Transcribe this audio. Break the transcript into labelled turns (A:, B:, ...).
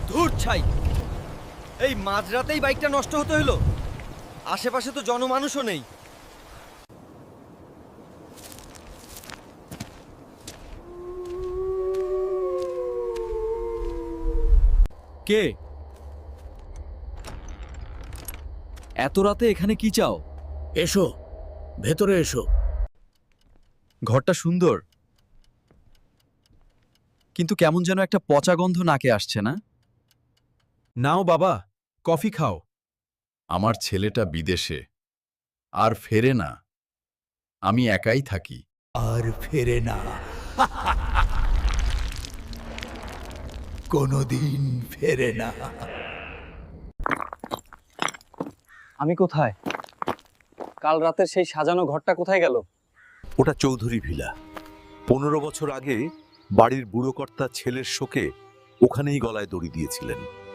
A: ধুর ছাই, এই মাঝরাতেই বাইকটা নষ্ট হতে হলো। আশেপাশে তো জনমানুষও নেই।
B: কে? এত রাতে এখানে কি চাও?
C: এসো, ভেতরে এসো।
B: ঘরটা সুন্দর, কিন্তু কেমন যেন একটা পচা গন্ধ নাকে আসছে না?
D: নাও বাবা, কফি খাও।
E: আমার ছেলেটা বিদেশে আর ফেরে না, আমি একাই থাকি।
C: আর ফেরে না, কোনোদিন ফেরে না।
B: আমি কোথায়? কাল রাতের সেই সাজানো ঘরটা কোথায় গেল?
F: ওটা চৌধুরী ভিলা। 15 বছর আগে বাড়ির বুড়ো কর্তা ছেলের শোকে ওখানেই গলায় দড়ি দিয়েছিলেন।